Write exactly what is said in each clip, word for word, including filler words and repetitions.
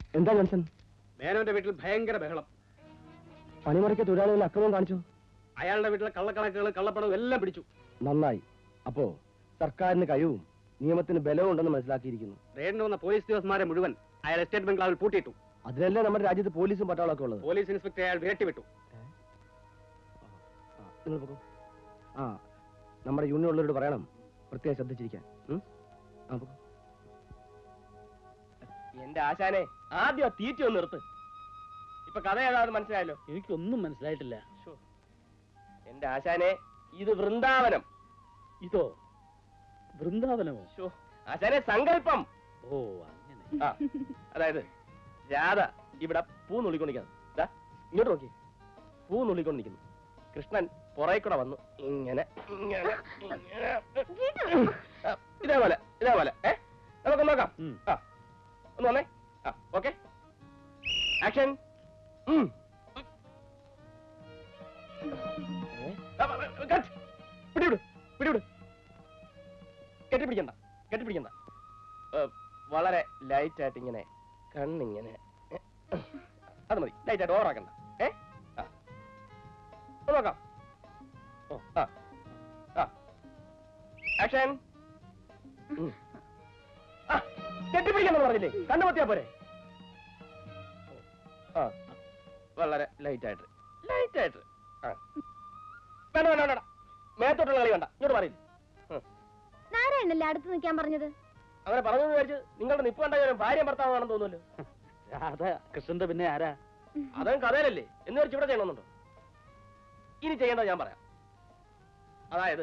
എന്താ ജോൺസൺ? മേനോന്റെ വീട്ടിൽ ഭയങ്കര ബഹളം. പണിമുറയ്ക്ക് തൊഴിലാളികൾ അക്രമം കാണിച്ചു. അയാളുടെ വീട്ടിലെ കള്ളക്കണക്കുകൾ കള്ളപ്പണവും എല്ലാം പിടിച്ചു. നന്നായി. അപ്പോ സർക്കാരിന് കഴിവും നിയമത്തിന് ബലവും ഉണ്ടെന്ന് മനസ്സിലാക്കിയിരിക്കുന്നു. റെയ്ഡിന് വന്ന പോലീസ് ഉദ്യോഗസ്ഥന്മാരെ മുഴുവൻ അയാൾ എസ്റ്റേറ്റ് ബംഗ്ലാവിൽ പൂട്ടിയിട്ടു. അതിലല്ലേ നമ്മുടെ രാജ്യത്ത് പോലീസും പട്ടാളമൊക്കെ ഉള്ളത്. പോലീസ് ഇൻസ്പെക്ടർ അയാൾ വിരട്ടിവിട്ടു. നിങ്ങൾ പോകും. ആ നമ്മുടെ യൂണിയൻ ഉള്ളവരോട് പറയണം പ്രത്യേകം ശ്രദ്ധിച്ചിരിക്കാൻ. എന്റെ ആശാനെ ആദ്യം തീറ്റ ഒന്ന് നിർത്ത്. ഇപ്പൊ കഥ ഏതാണെന്ന് മനസ്സിലായല്ലോ? എനിക്കൊന്നും മനസ്സിലായിട്ടില്ല. എന്റെ ആശാനെ ഇത് വൃന്ദാവനം. ഇതോ വൃന്ദാവനമോ? ആശാനെ സങ്കല്പം. ഓ അങ്ങനെ. ആ അതായത് രാധ ഇവിടെ പൂ നുള്ളിക്കൊണ്ടിരിക്കുന്നു. ഇങ്ങോട്ട് നോക്കി, പൂ നുള്ളിക്കൊണ്ടിരിക്കുന്നു. കൃഷ്ണൻ പുറകെ കൂടെ വന്നു ഇങ്ങനെ ഇങ്ങനെ ഇതേപോലെ ഇതേപോലെ ഏ നമുക്ക് നോക്കാം. ആ ഒന്ന് വന്നേ. ആ ഓക്കെ ആക്ഷൻ. പിടിവിട് പിടിവിട്. കെട്ടിപ്പിടിക്കണ്ട കെട്ടിപ്പിടിക്കണ്ട. വളരെ ലൈറ്റ് ആയിട്ട് ഇങ്ങനെ കണ്ണിങ്ങനെ. അത് മതി. ലൈറ്റ് ആയിട്ട് ഓവറാക്കണ്ട. ഏ നോക്കാം. ഓ ആ ആ ആക്ഷൻ. കെട്ടിപ്പിടിക്കണം പറഞ്ഞില്ലേ? കണ്ണുപൊത്തിയാ പോരെ? ആ വളരെ ലൈറ്റ് ആയിട്ട് ലൈറ്റ് ആയിട്ട്. ആ വേണ്ട വേണ്ട വേണ്ട മേത്തോട്ടുള്ള കളി വേണ്ട. ഇങ്ങോട്ട് പറയില്ല. നാരായണല്ലേ അടുത്ത് നിൽക്കാൻ പറഞ്ഞത്? അങ്ങനെ പറഞ്ഞു വിചാരിച്ച് നിങ്ങളുടെ നിപ്പ് കണ്ട ഭാര്യ ഭർത്താവാണെന്ന് തോന്നുമല്ലോ. അതെ കൃഷ്ണന്റെ പിന്നെ ആരാ? അതും കഥയിലല്ലേ എന്ന് വെച്ച് ഇവിടെ ചെയ്യണമെന്നുണ്ടോ? ഇനി ചെയ്യേണ്ടത് ഞാൻ പറയാം. അതായത്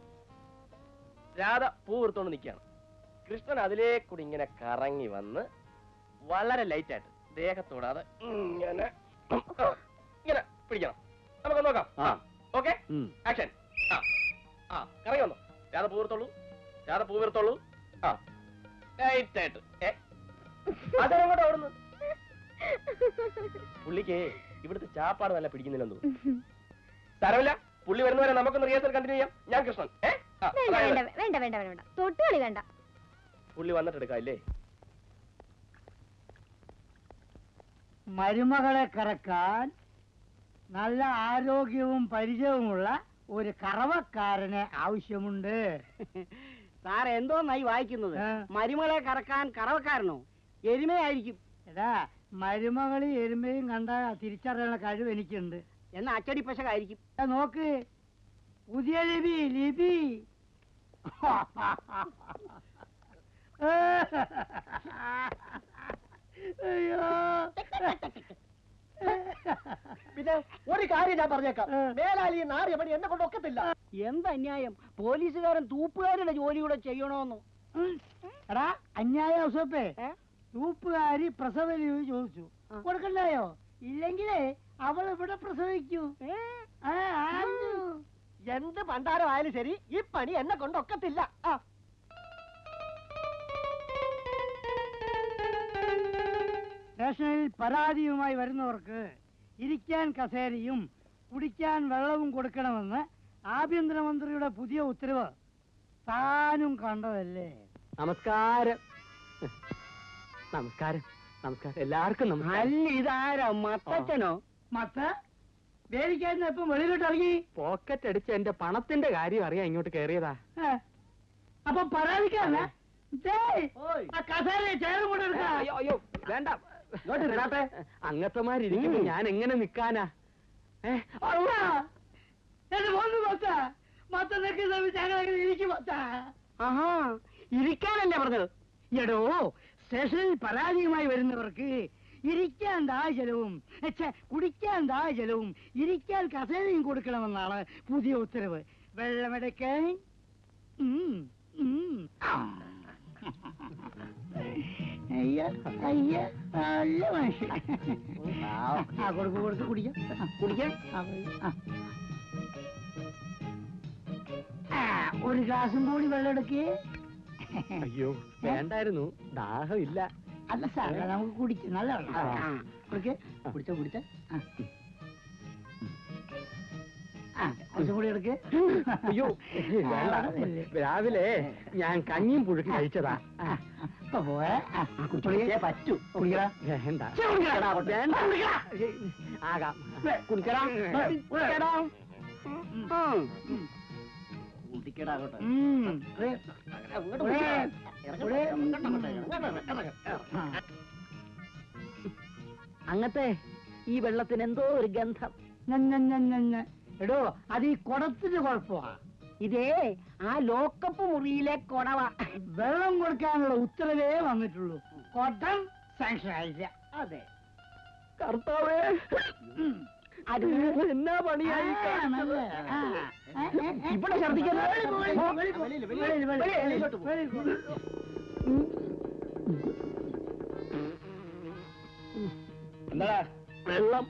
രാധ പൂ എടുത്തോണ്ട് നിൽക്കുകയാണ്. കൃഷ്ണൻ അതിലേക്കൂടി ഇങ്ങനെ കറങ്ങി വന്ന് വളരെ ലൈറ്റ് ആയിട്ട് ദേഹത്തോടാതെ ഇങ്ങനെ ഇങ്ങനെ പിടിക്കണം. നമുക്ക് നോക്കാം. Okay action. ആ ആ കറങ്ങി വന്നോ. രാധ പൂ എടുത്തോളൂ. രാധ പൂ എടുത്തോളൂ. ആ ലൈറ്റ് ആയിട്ട്. ഏ അതെങ്ങോട്ട് ഓടുന്നു? പുള്ളിക്ക് ഇവിടുത്തെ ചാപ്പാട് നല്ല പിടിക്കുന്നില്ലെന്ന് തോന്നുന്നു. തരവില്ല. പുള്ളി വരുന്നവരെ നമുക്കൊന്ന് റിഹേഴ്സൽ കണ്ടിന്യൂ ചെയ്യാം. ഞാൻ കൃഷ്ണൻ. വേണ്ട വേണ്ട വേണ്ട തൊട്ടുകളി വേണ്ട. പുള്ളി വന്നിട്ട് എടുക്കാം ഇല്ലേ? മരുമകളെ കറക്കാൻ നല്ല ആരോഗ്യവും പരിചയവുമുള്ള ഒരു കറവക്കാരന് ആവശ്യമുണ്ട്. സാർ എന്തോന്നായി വായിക്കുന്നത്? മരുമകളെ കറക്കാൻ കറവക്കാരനോ? എരുമയായിരിക്കും. എടാ മരുമകളി എരുമയും കണ്ട തിരിച്ചറിയാനുള്ള കഴിവ് എനിക്കുണ്ട്. എന്നാ അച്ചടി പശകായിരിക്കും. നോക്ക് പുതിയ ലിപി ലിപി. അയ്യോ പിന്നെ ഒരു കാര്യം ഞാൻ പറഞ്ഞേക്കാം. മേലാലി നാറിയ പണി എന്നെ കൊണ്ട് ഒക്കത്തില്ല. എന്തന്യായം! പോലീസുകാരൻ തൂപ്പുകാരുടെ ജോലി കൂടെ ചെയ്യണോന്നു. എടാ അന്യായ ഔസപ്പേ, തൂപ്പുകാരി പ്രസവ ലീവ് ചോദിച്ചു കൊടുക്കണ്ടായോ? ഇല്ലെങ്കിലേ അവൾ ഇവിടെ പ്രസവിക്കൂ. എന്ത് പണ്ടാരമായാലും ശരി ഈ പണി എന്നെ കൊണ്ടൊക്കത്തില്ല. ആ സ്റ്റേഷനിൽ പരാതിയുമായി വരുന്നവർക്ക് ഇരിക്കാൻ കസേരയും കുടിക്കാൻ വെള്ളവും കൊടുക്കണമെന്ന് ആഭ്യന്തരമന്ത്രിയുടെ പുതിയ ഉത്തരവ് താനും കണ്ടതല്ലേ? നമസ്കാരം. നമസ്കാരം നമസ്കാരം എല്ലാവർക്കും. അല്ല ഇതാരാ? മത്തച്ഛനോ? മത്ത വേദിക്കാരൻ ഇപ്പം വെളിയിലോട്ട് ഇറങ്ങി പോക്കറ്റ് അടിച്ച് എന്റെ പണത്തിന്റെ കാര്യം അറിയാൻ ഇങ്ങോട്ട് കയറിയതാ. അപ്പൊ പരാതിക്കാരനാ? കസേര ചേർന്ന് കൂടെ എടുക്കാം. അയ്യോ അയ്യോ വേണ്ട. അങ്ങത്തമാരിയ്ക്കുമ്പോ ഞാൻ എങ്ങനെ നിക്കാനാ? ഇരിക്കാനല്ലേ പറഞ്ഞത്? എടോ സ്റ്റേഷനിൽ പരാതിയുമായി വരുന്നവർക്ക് ഇരിക്കാൻ ദാഹജലവും കുടിക്കാൻ ദാഹജലവും ഇരിക്കാൻ കസേരയും കൊടുക്കണമെന്നാണ് പുതിയ ഉത്തരവ്. വെള്ളമെടുക്കാൻ അയ്യ അയ്യ നല്ല മനുഷ്യൻ. ആ കൊടുക്ക് കൊടുക്ക് കുടിക്കാം കുടിക്കാം. ഒരു ഗ്ലാസും കൂടി വെള്ളം എടുക്കേ. അയ്യോ വേണ്ടായിരുന്നു, ദാഹമില്ല. അല്ല സാറേ നമുക്ക് കുടിക്കാം. നല്ല വെള്ളം കുടിക്കേ. കുടിച്ച കുടിച്ച കുറച്ചും കൂടി എടുക്കേ. അയ്യോ വേണ്ട, രാവിലെ ഞാൻ കഞ്ഞിയും പുഴുക്കി കഴിച്ചതാ. ഇപ്പൊ പോയെ കുടിച്ചോളിയേ പറ്റൂ കുടിക്കടാ വേണ്ട കുടിക്കടാ വേണ്ട ആകാം കുടിക്കടാ കുടിക്കടാ കുടിക്കടാ അങ്ങോട്ട് അങ്ങത്തെ ഈ വെള്ളത്തിന് എന്തോ ഒരു ഗന്ധം എടോ അത് ഈ കുടത്തിന്റെ കുഴപ്പമാ ഇതേ ആ ലോക്കപ്പ് മുറിയിലെ കുടവ വെള്ളം കൊടുക്കാനുള്ള ഉത്തരവേ വന്നിട്ടുള്ളൂ കുടം സാങ്ഷൻ ആയില്ല അതെ കർത്താവേ അത് എന്നാ പണിയായി കാണിച്ചത്? ഇവിടെ ഛർദ്ദിക്കുന്നത് എന്താടാ വെള്ളം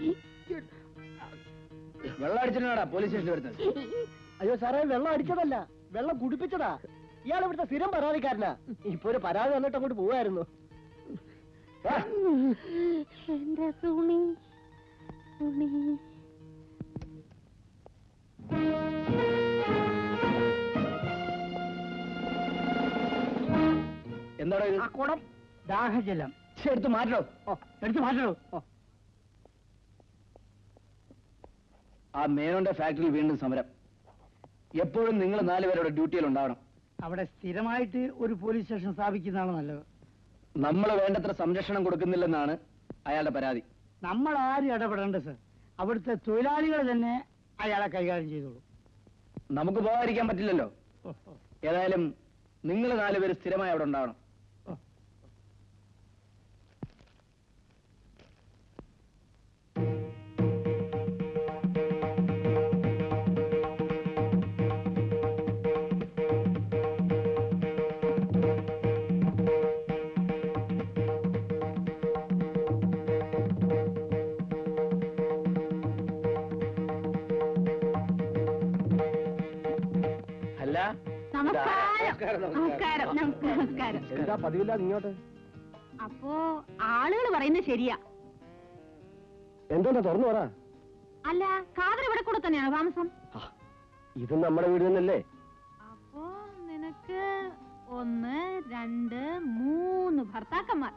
വെള്ളം അടിച്ചിട്ടാ പോലീസ് സ്റ്റേഷനിൽ വരുന്നത്? അയ്യോ സാറേ വെള്ളം അടിച്ചതല്ല വെള്ളം കുടിപ്പിച്ചതാ ഇയാൾ ഇവിടുത്തെ സ്ഥിരം പരാതിക്കാരനാ ഇപ്പൊ ഒരു പരാതി വന്നിട്ട് അങ്ങോട്ട് പോവായിരുന്നു എന്റെ തുണി തുണി എന്താടാ ഇത്? ആ കുടം ദാഹജലം ശ്ശെ, എടുത്ത് മാറ്റോ. ഓ എടുത്ത് മാറ്റണോ ഓ ആ മേനോന്റെ ഫാക്ടറിയിൽ വീണ്ടും സമരം. എപ്പോഴും നിങ്ങൾ നാലുപേരുടെ ഡ്യൂട്ടിയിൽ ഉണ്ടാവണം. അവിടെ സ്ഥിരമായിട്ട് ഒരു പോലീസ് സ്റ്റേഷൻ സ്ഥാപിക്കുന്നതാണ് നല്ലത്. നമ്മൾ വേണ്ടത്ര സംരക്ഷണം കൊടുക്കുന്നില്ലെന്നാണ് അയാളുടെ പരാതി. നമ്മൾ ആരും ഇടപെടേണ്ട സർ, അവിടുത്തെ തൊഴിലാളികൾ തന്നെ അയാളെ കൈകാര്യം ചെയ്തോളൂ. നമുക്ക് പോകാതിരിക്കാൻ പറ്റില്ലല്ലോ. ഓ, ഓ, ഏതായാലും നിങ്ങൾ നാലുപേര് സ്ഥിരമായി അവിടെ ഉണ്ടാവണം. ഓ. അല്ല, നമസ്കാരം നമസ്കാരം നമസ്കാരം. എന്താ പതിവില്ലാതെ ഇങ്ങോട്ട്? അപ്പോ ആളുകൾ പറയുന്നത് ശരിയാ. എന്താ തുറന്നു പറ. അല്ല, കാതർ ഇവിടെ കൂടെ തന്നെയാണോ താമസം? ഇത് നമ്മുടെ വീട് തന്നെയല്ലേ? അപ്പോ നിനക്ക് ഒന്ന് രണ്ട് മൂന്ന് ഭർത്താക്കന്മാർ.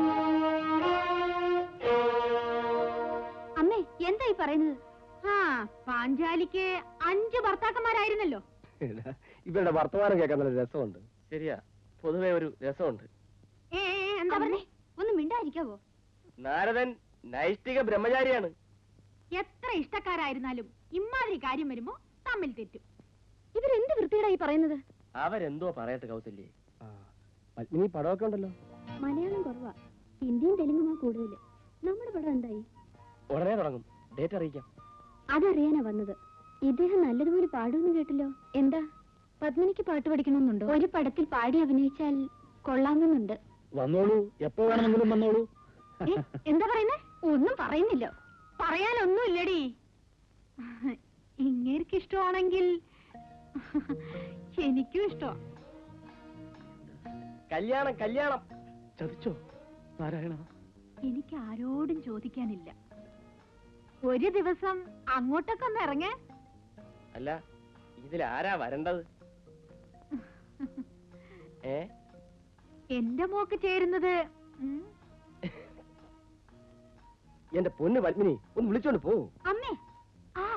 അമ്മേ എന്താ ഈ പറയുന്നത്? ആ പാഞ്ചാലിക്ക് അഞ്ച് ഭർത്താക്കന്മാരായിരുന്നല്ലോ. ഇവരുടെ വർത്തമാനം കേൾക്കാൻ നല്ല രസമുണ്ട്. ശരിയാ, പൊതുവെ ഒരു രസമുണ്ട്. ഏ ഏ, എന്താ പറഞ്ഞേ? ഒന്ന് മിണ്ടായിരിക്കാവോ? നാരദൻ നൈഷ്ഠിക ബ്രഹ്മചാരിയാണ്. എത്ര ഇഷ്ടക്കാരായിരുന്നാലും ഇമാതിരി കാര്യം വരുമ്പോ തമ്മിൽ തെറ്റും. ഇവരെന്ത് വൃത്തിയുടെ ഈ പറയുന്നത്? അവരെന്തോ പറയട്ടെ കൗസല്യേ. പത്മിനി പടമൊക്കെ ഉണ്ടല്ലോ. മലയാളം കുറവാ, ഹിന്ദിയും തെലുങ്കുമാ കൂടുതല്. നമ്മുടെ പടം എന്തായി? ഉടനെ തുടങ്ങും, ഡേറ്റ് അറിയിക്കാം. അതറിയാനാ വന്നത്. ഇദ്ദേഹം നല്ലതുപോലെ പാടുമെന്ന് കേട്ടല്ലോ. എന്താ പത്മിനിക്ക് പാട്ട് പഠിക്കണമെന്നുണ്ടോ? ഒരു പടത്തിൽ പാടി അഭിനയിച്ചാൽ കൊള്ളാമെന്നുണ്ട്. വന്നോളൂ, എപ്പോ വേണമെങ്കിലും വന്നോളൂ. ഏ, എന്താ പറയുന്നേ? ഒന്നും പറയുന്നില്ല. പറയാനൊന്നും ഇല്ലടി. ഇങ്ങേർക്ക് ഇഷ്ടമാണെങ്കിൽ എനിക്കും ഇഷ്ടമാ. കല്യാണം കല്യാണം ചതിച്ചോ നാരായണ? എനിക്ക് ആരോടും ചോദിക്കാനില്ല. ഒരു ദിവസം അങ്ങോട്ടൊക്കെ ഒന്ന് ഇറങ്ങേ. അല്ല, ഇതിലാരാ വരേണ്ടത്? ഏ എന്റെ മോക്ക് ചേരുന്നത് ഉം, എന്റെ പൊന്ന് പത്മിനി, ഒന്ന് വിളിച്ചോണ്ട് പോ. അമ്മേ. ആ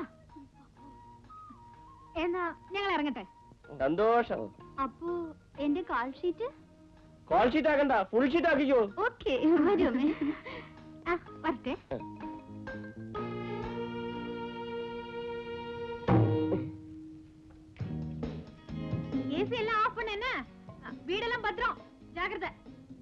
എന്നാ ഞങ്ങൾ ഇറങ്ങട്ടെ. സന്തോഷം. അപ്പോ എന്റെ കാൾ ഷീറ്റ്? കോൾ ഷീറ്റ് ആക്കണ്ട, ഫുൾ ഷീറ്റ് ആക്കിക്കോ. ഓക്കെ വരും. ആ വരട്ടെ. ஏசி எல்லாம் ஆஃப் பண்ணு. என்ன வீடெல்லாம் பத்திரம், ஜாக்கிரதை.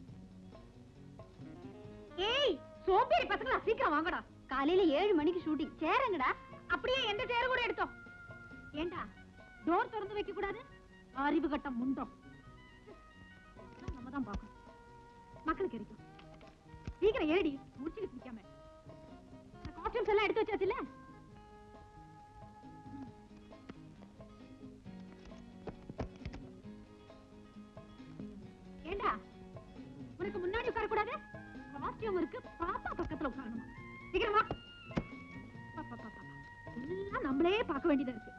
ஏய் சோம்பேறி பசங்களா, சீக்கிரம் வாங்கடா. காலையில ஏழு மணிக்கு ஷூட்டிங். சேருங்கடா. அப்படியே எந்த சேர கூட எடுத்தோம். ஏண்டா டோர் திறந்து வைக்க கூடாது? அறிவு கட்டம் முண்டோம். நம்ம தான் பார்க்கணும். மக்களுக்கு இருக்கும். சீக்கிரம் ஏடி, முடிச்சுட்டு பிடிக்காம. காஸ்டியூம்ஸ் எல்லாம் எடுத்து வச்சாச்சுல்ல? ஏண்டா உனக்கு முன்னாடி உட்கார கூடாது? காஸ்டியூம் இருக்கு, பாப்பா பக்கத்துல உட்காரணும். சீக்கிரமா. பாப்பா பாப்பா எல்லாம் நம்மளே பார்க்க வேண்டியதா இருக்கு.